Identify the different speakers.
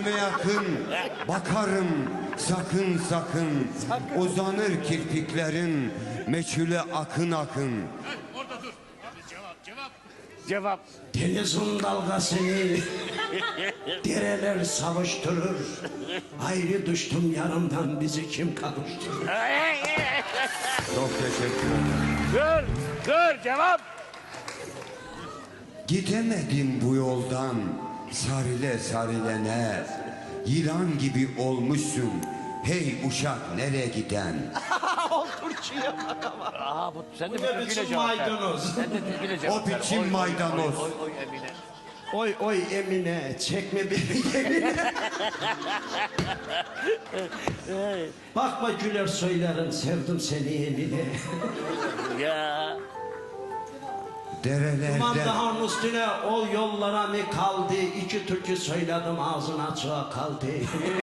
Speaker 1: Gözüme yakın bakarım sakın sakın. Uzanır kirpiklerin meçhule akın akın.
Speaker 2: Orada dur. Cevap.
Speaker 3: Cevap.
Speaker 4: Denizin dalgasını dereler savuşturur. Ayrı düştüm yanımdan, bizi kim kavuşturur?
Speaker 1: Çok teşekkür ederim.
Speaker 3: Dur cevap.
Speaker 1: Gidemedim bu yoldan sarile sarilene. Yılan gibi olmuşsun hey uşak nereye giden?
Speaker 3: Aa bu sen de
Speaker 4: Bu ne
Speaker 3: türküyle
Speaker 4: biçim
Speaker 3: cevap ver.
Speaker 4: maydanoz?
Speaker 3: Sen de türküyle cevap
Speaker 1: O
Speaker 3: ver.
Speaker 1: biçim
Speaker 3: Oy, oy,
Speaker 1: maydanoz.
Speaker 3: Oy oy Emine.
Speaker 4: Oy oy Emine, çekme beni Emine. Bakma güler söylerim, sevdim seni Emine.
Speaker 3: Ya.
Speaker 1: Derelerde
Speaker 4: Mandahan üstüne o yollara mı kaldı? İki türkü söyledim, ağzın açığa kaldı.